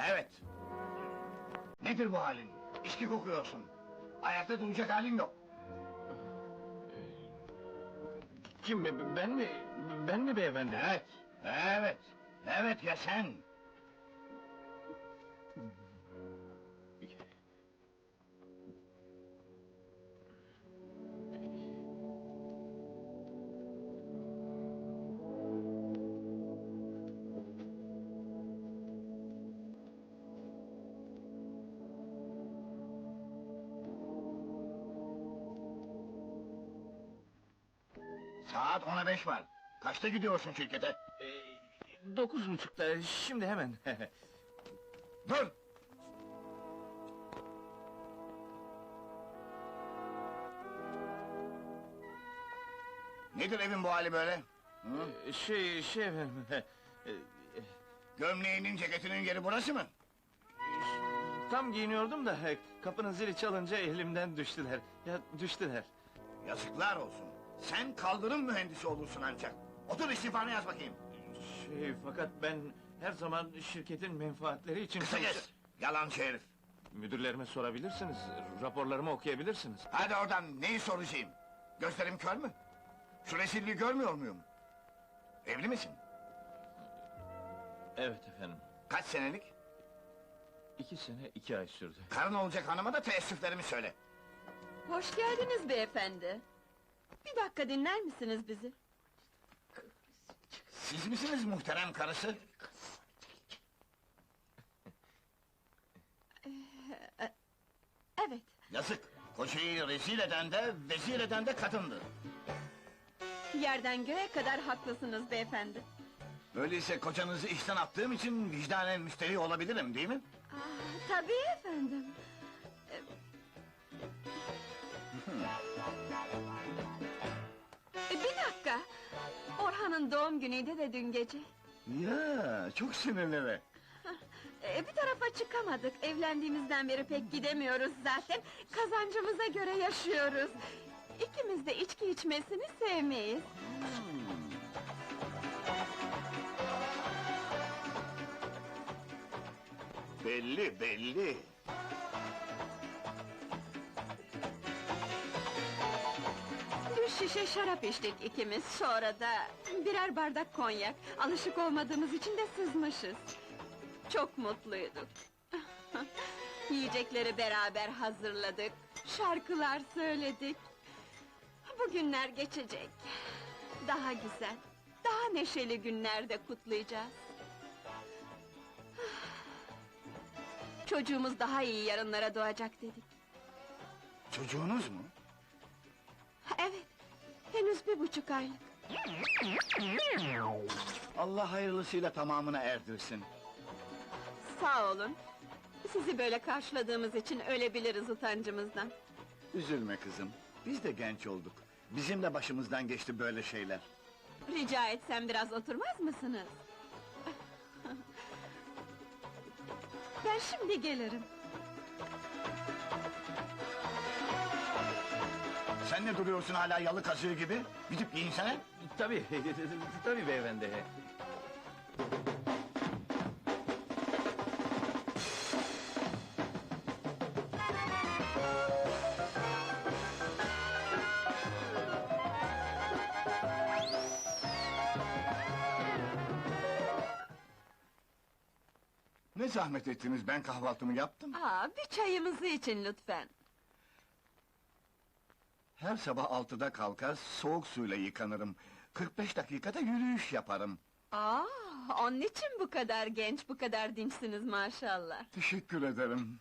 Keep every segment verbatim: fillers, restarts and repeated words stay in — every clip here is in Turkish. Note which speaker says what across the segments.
Speaker 1: Evet. Nedir bu halin? İçki kokuyorsun. Ayakta duracak halin yok.
Speaker 2: Kim, be- ben mi, ben mi beyefendi?
Speaker 1: Evet, evet. Evet ya sen. Saat ona beş var. Kaçta gidiyorsun şirkete?
Speaker 2: Ee, dokuz buçukta, şimdi hemen.
Speaker 1: Dur! Nedir evin bu hali böyle? Hı?
Speaker 2: Ee, şey, şey efendim... e, e,
Speaker 1: Gömleğinin, ceketinin yeri burası mı?
Speaker 2: Tam giyiniyordum da, e, kapının zili çalınca elimden düştüler. Ya, düştüler.
Speaker 1: Yazıklar olsun. Sen kaldırım mühendisi olursun ancak. Otur istifanı yaz bakayım.
Speaker 2: Şey, fakat ben her zaman şirketin menfaatleri için...
Speaker 1: Kısa
Speaker 2: çalış-
Speaker 1: kes! Yalancı herif!
Speaker 2: Müdürlerime sorabilirsiniz, raporlarımı okuyabilirsiniz.
Speaker 1: Hadi oradan, neyi soracağım? Gözlerim kör mü? Şu rezilliği görmüyor muyum? Evli misin?
Speaker 2: Evet efendim,
Speaker 1: Kaç senelik?
Speaker 2: iki sene, iki ay sürdü.
Speaker 1: Karın olacak hanıma da teessüflerimi söyle.
Speaker 3: Hoş geldiniz beyefendi. Bir dakika dinler misiniz bizi?
Speaker 1: Siz misiniz muhterem karısı?
Speaker 3: Evet,
Speaker 1: Yazık! Kocayı rezil eden de, vezir eden de kadındı.
Speaker 3: yerden göğe kadar haklısınız beyefendi.
Speaker 1: Öyleyse kocanızı işten attığım için vicdanen müşteri olabilirim, değil mi?
Speaker 3: Ah, tabii efendim. Ee, bir dakika! Orhan'ın doğum günüydü de dün gece.
Speaker 1: Ya, çok sinirli.
Speaker 3: Ee, bir tarafa çıkamadık, evlendiğimizden beri pek gidemiyoruz zaten. Kazancımıza göre yaşıyoruz. İkimiz de içki içmesini sevmeyiz.
Speaker 1: Belli, belli.
Speaker 3: Bir şişe şarap içtik ikimiz, sonra da birer bardak konyak. Alışık olmadığımız için de sızmışız. Çok mutluyduk. Yiyecekleri beraber hazırladık, şarkılar söyledik. Bu günler geçecek. Daha güzel, daha neşeli günlerde kutlayacağız. Çocuğumuz daha iyi yarınlara doğacak dedik.
Speaker 1: Çocuğunuz mu?
Speaker 3: Evet, henüz bir buçuk aylık.
Speaker 1: Allah hayırlısıyla tamamına erdirsin.
Speaker 3: Sağ olun. Sizi böyle karşıladığımız için ölebiliriz utancımızdan.
Speaker 1: Üzülme kızım, biz de genç olduk. Bizim de başımızdan geçti böyle şeyler.
Speaker 3: Rica etsem biraz oturmaz mısınız? Ben şimdi gelirim.
Speaker 1: Sen ne duruyorsun hala yalı kazığı gibi? Gidip giyinsene.
Speaker 2: Tabii, tabii beyefendi.
Speaker 1: Ne zahmet ettiniz, ben kahvaltımı yaptım.
Speaker 3: Aa, bir çayımızı için lütfen.
Speaker 1: Her sabah altıda kalkar, soğuk suyla yıkanırım. kırk beş dakikada yürüyüş yaparım.
Speaker 3: Aa, onun için bu kadar genç, bu kadar dinçsiniz maşallah.
Speaker 1: Teşekkür ederim.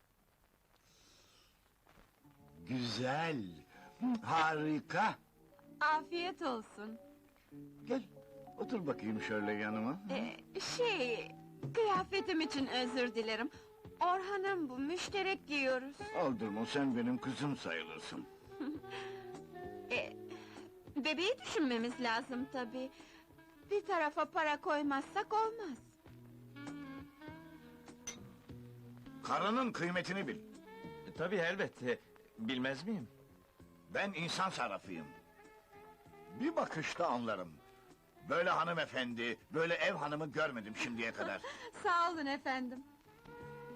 Speaker 1: Güzel, harika.
Speaker 3: Afiyet olsun.
Speaker 1: Gel, otur bakayım şöyle yanıma.
Speaker 3: Ee, şey, kıyafetim için özür dilerim. Orhan'ım bu, müşterek giyiyoruz.
Speaker 1: Aldırma, sen benim kızım sayılırsın.
Speaker 3: Ee, bebeği düşünmemiz lazım tabii. Bir tarafa para koymazsak olmaz.
Speaker 1: Karının kıymetini bil.
Speaker 2: Tabii elbette, bilmez miyim?
Speaker 1: Ben insan sarrafıyım. Bir bakışta anlarım. Böyle hanımefendi, böyle ev hanımı görmedim şimdiye kadar.
Speaker 3: Sağ olun efendim.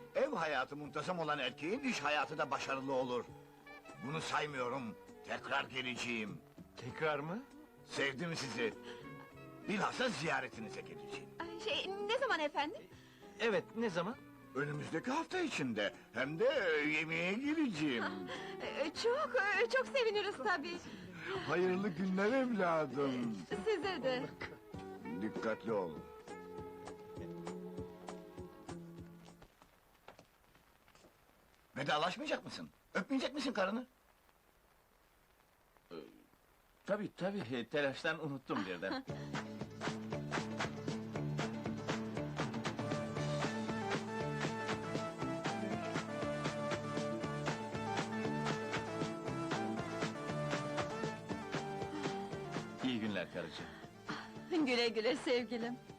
Speaker 1: Ev hayatı muntazam olan erkeğin iş hayatı da başarılı olur. Bunu saymıyorum. Tekrar geleceğim.
Speaker 2: Tekrar mı?
Speaker 1: Sevdim sizi. Bilhassa ziyaretinize geleceğim.
Speaker 3: Ay, Şey, ne zaman efendim?
Speaker 2: Evet, ne zaman?
Speaker 1: Önümüzdeki hafta içinde. Hem de yemeğe geleceğim.
Speaker 3: Ee, Çok, e, çok seviniriz tabii.
Speaker 1: Hayırlı günler evladım.
Speaker 3: Size de.
Speaker 1: Dikkatli ol. Vedalaşmayacak mısın? Öpmeyecek misin karını?
Speaker 2: Tabii tabii, telaştan unuttum birden. İyi günler karıcığım.
Speaker 3: Güle güle sevgilim.